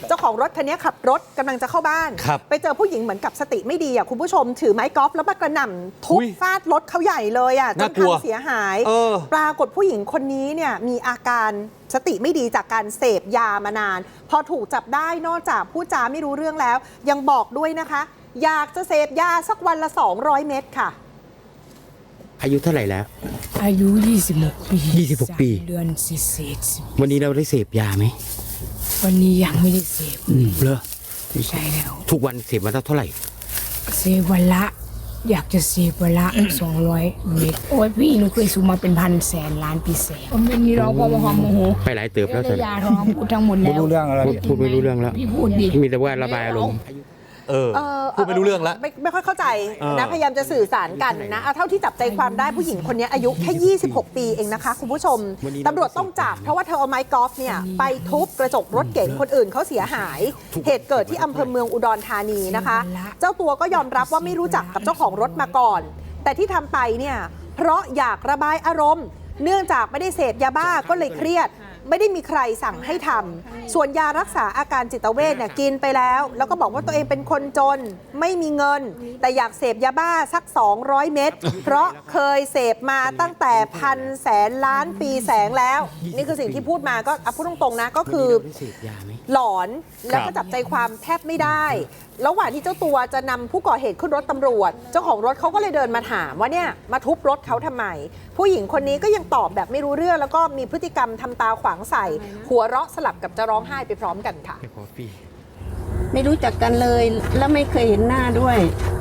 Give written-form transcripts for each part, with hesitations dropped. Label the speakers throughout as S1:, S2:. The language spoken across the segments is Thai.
S1: เจ้าของรถคันนี้ขับรถกำลังจะเข้าบ้านไปเจอผู้หญิงเหมือนกับสติไม่ดีอ่ะคุณผู้ชมถือไม้กอล์ฟแล้วมากระหน่ำทุบฟาดรถเขาใหญ่เลยอ่ะจนพังเสียหายปรากฏผู้หญิงคนนี้เนี่ยมีอาการสติไม่ดีจากการเสพยามานานพอถูกจับได้นอกจากพูดจาไม่รู้เรื่องแล้วยังบอกด้วยนะคะอยากจะเสพยาสักวันละ200 เม็ดค่ะ
S2: อายุเท่าไหร่แล้ว
S3: อายุ26 ปี
S2: 26 ปี
S3: เดือนเศษ
S2: วันนี้เราได้เสพยาไหม
S3: วันนี้ยังไม่ได้เสพ
S2: เหรอ
S3: ใช่แล้ว
S2: ทุกวันเสพวันละเท่าไหร่
S3: เสพวันละอยากจะเสพวันละ200 เม็ดโอ้ยพี่หนูเคยสูบมาเป็นพันแสนล้านปีแสนผมเป็นนี่เราพอมาหอมโมโห
S2: ไปหลายเติบแล้ว
S3: ยาท้องพูดทั้งหมดแล้ว
S2: ไม่รู้เรื่องอะไรพูดไม่รู้เรื่องแล้ว
S3: พี่พูดดิ
S2: มีแต่ว่าระบายอารมณ์
S4: พูดไม่รู้เรื่องแล้ว
S1: ไม่ค่อยเข้าใจนะพยายามจะสื่อสารกันนะเอาเท่าที่จับใจความได้ผู้หญิงคนนี้อายุแค่26 ปีเองนะคะคุณผู้ชมตำรวจต้องจับเพราะว่าเธอเอาไม้กอล์ฟเนี่ยไปทุบกระจกรถเก๋งคนอื่นเขาเสียหายเหตุเกิดที่อำเภอเมืองอุดรธานีนะคะเจ้าตัวก็ยอมรับว่าไม่รู้จักกับเจ้าของรถมาก่อนแต่ที่ทำไปเนี่ยเพราะอยากระบายอารมณ์เนื่องจากไม่ได้เสพยาบ้าก็เลยเครียดไม่ได้มีใครสั่งให้ทำส่วนยารักษาอาการจิตเวชเนี่ยกินไปแล้วก็บอกว่าตัวเองเป็นคนจนไม่มีเงินแต่อยากเสพยาบ้าสัก200 เม็ดเพราะเคยเสพมาตั้งแต่พันแสนล้านปีแสงแล้วนี่คือสิ่งที่พูดมาก็พูดตรงๆนะก็คือหลอนแล้วก็จับใจความแทบไม่ได้ระหว่างที่เจ้าตัวจะนำผู้ก่อเหตุขึ้นรถตำรวจเจ้าของรถเขาก็เลยเดินมาถามว่าเนี่ยมาทุบรถเขาทำไมผู้หญิงคนนี้ก็ยังตอบแบบไม่รู้เรื่องแล้วก็มีพฤติกรรมทำตาขวางใส่หัวเราะสลับกับจะร้องไห้ไปพร้อมกันค่ะ
S5: ไม่รู้จักกันเลยแล้วไม่เคยเห็นหน้าด้วย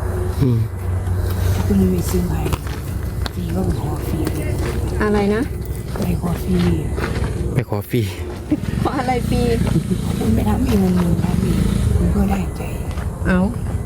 S3: คุณไม่ซื้อไงฟรีก็ขอฟรี
S5: อะไรนะ
S3: ไปขอฟรี
S2: ไปขอฟรี
S5: เพราะอะไรฟรี
S3: คุณไปทำเองมึงทำเองคุณก็ได้ใจ
S5: เอา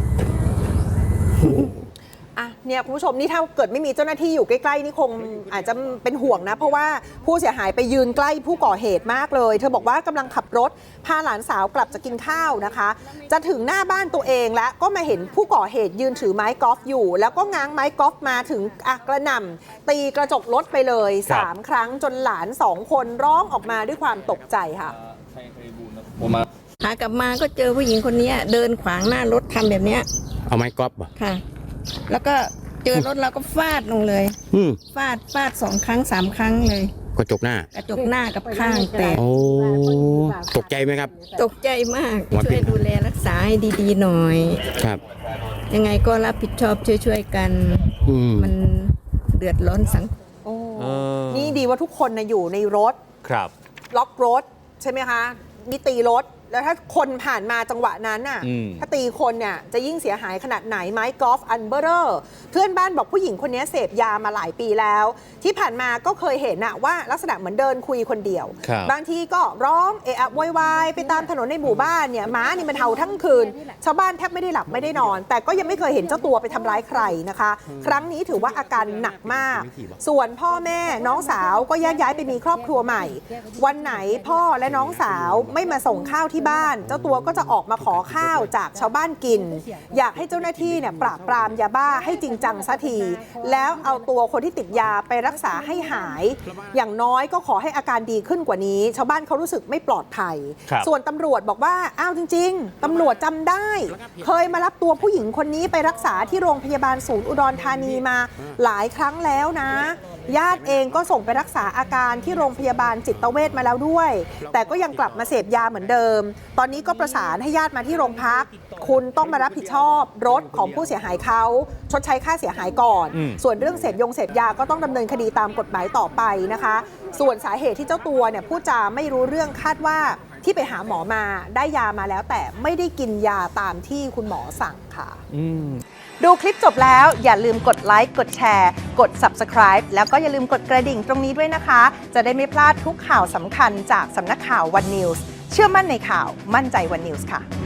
S1: เนี่ยคุณผู้ชมนี่ถ้าเกิดไม่มีเจ้าหน้าที่อยู่ใกล้ๆนี่คงอาจจะเป็นห่วงนะเพราะว่าผู้เสียหายไปยืนใกล้ผู้ก่อเหตุมากเลยเธอบอกว่ากำลังขับรถพาหลานสาวกลับจะกินข้าวนะคะจะถึงหน้าบ้านตัวเองแล้วก็มาเห็นผู้ก่อเหตุยืนถือไม้กอล์ฟอยู่แล้วก็ง้างไม้กอล์ฟมาถึงกระหน่ำตีกระจกรถไปเลย3 ครั้งจนหลาน2 คนร้องออกมาด้วยความตกใจค่ะ
S5: หากลับมาก็เจอผู้หญิงคนนี้เดินขวางหน้ารถทำแบบนี้
S2: เอาไม้กอล์ฟป่ะ
S5: ค่ะแล้วก็เจอรถเราก็ฟาดลงเลยฟาด2 ครั้ง 3 ครั้งเลย
S2: กระจกหน้า
S5: กับข้างแตก
S2: โอ้ตกใจไหมครับ
S5: ตกใจมากช่วยดูแลรักษาให้ดีๆหน่อย
S2: ครับ
S5: ยังไงก็รับผิดชอบช่วยๆกันมันเดือดร้อนสังคม
S1: นี่ดีว่าทุกคนอยู่ในรถ
S4: ครับ
S1: ล็อกรถใช่ไหมคะนี่ตีรถแล้วถ้าคนผ่านมาจังหวะนั้นน่ะถ้าตีคนเนี่ยจะยิ่งเสียหายขนาดไหนไม้กอล์ฟอันเบอร์เรอร์เพื่อนบ้านบอกผู้หญิงคนนี้เสพยามาหลายปีแล้วที่ผ่านมาก็เคยเห็นน่ะว่าลักษณะเหมือนเดินคุยคนเดียวบางทีก็ร้องเอะอะโวยวายไปตามถนนในหมู่บ้านเนี่ยม้านี่มันเห่าทั้งคืนชาวบ้านแทบไม่ได้หลับไม่ได้นอนแต่ก็ยังไม่เคยเห็นเจ้าตัวไปทำร้ายใครนะคะครั้งนี้ถือว่าอาการหนักมากส่วนพ่อแม่น้องสาวก็แยกย้ายไปมีครอบครัวใหม่วันไหนพ่อและน้องสาวไม่มาส่งข้าวที่บ้านเจ้าตัวก็จะออกมาขอข้าวจากชาวบ้านกินอยากให้เจ้าหน้าที่เนี่ยปราบปรามยาบ้าให้จริงจังสักทีแล้วเอาตัวคนที่ติดยาไปรักษาให้หายอย่างน้อยก็ขอให้อาการดีขึ้นกว่านี้ชาวบ้านเขารู้สึกไม่ปลอดภัยส่วนตำรวจบอกว่าอ้าวจริงๆตำรวจจำได้เคยมารับตัวผู้หญิงคนนี้ไปรักษาที่โรงพยาบาลศูนย์อุดรธานีมาหลายครั้งแล้วนะญาติเองก็ส่งไปรักษาอาการที่โรงพยาบาลจิตเวชมาแล้วด้วยแต่ก็ยังกลับมาเสพยาเหมือนเดิมตอนนี้ก็ประสานให้ญาติมาที่โรงพักคุณต้องมารับผิดชอบรถของผู้เสียหายเขาชดใช้ค่าเสียหายก่อนส่วนเรื่องเสพยาก็ต้องดำเนินคดีตามกฎหมายต่อไปนะคะส่วนสาเหตุที่เจ้าตัวเนี่ยพูดจาไม่รู้เรื่องคาดว่าที่ไปหาหมอมาได้ยามาแล้วแต่ไม่ได้กินยาตามที่คุณหมอสั่งค่ะดูคลิปจบแล้วอย่าลืมกดไลค์กดแชร์กด Subscribe แล้วก็อย่าลืมกดกระดิ่งตรงนี้ด้วยนะคะจะได้ไม่พลาดทุกข่าวสำคัญจากสำนักข่าว One News เชื่อมั่นในข่าวมั่นใจ One News ค่ะ